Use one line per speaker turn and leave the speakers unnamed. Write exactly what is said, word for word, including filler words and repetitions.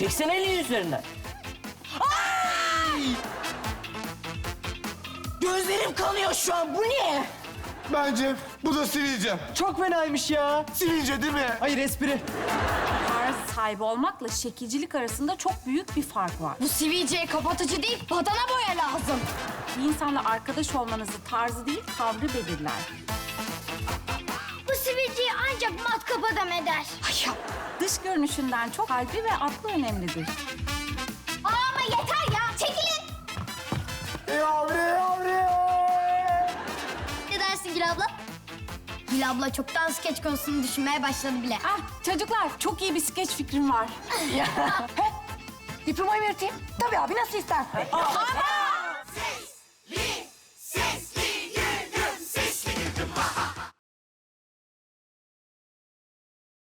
Çeksene elini üzerinden. Ay! Gözlerim kanıyor şu an. Bu ne?
Bence bu da sivilce.
Çok fenaymış ya.
Sivilce değil mi?
Hayır, espri.
Tarz sahibi olmakla şekilcilik arasında çok büyük bir fark var.
Bu sivilceye kapatıcı değil, badana boya lazım.
Bir insanla arkadaş olmanızı tarzı değil, tavrı belirler.
Bu sivilceyi ancak matkap adam eder. Ay ya.
Dış görünüşünden çok kalbi ve aklı önemlidir.
Aa, ama yeter ya, çekilin.
Yavru yavru.
Ne dersin Gül abla? Gül abla çoktan skeç konusunu düşünmeye başladı bile.
Ah çocuklar, çok iyi bir skeç fikrim var.
Diplomayı mı yırtayım? Tabii abi, nasıl istersen.
Aman!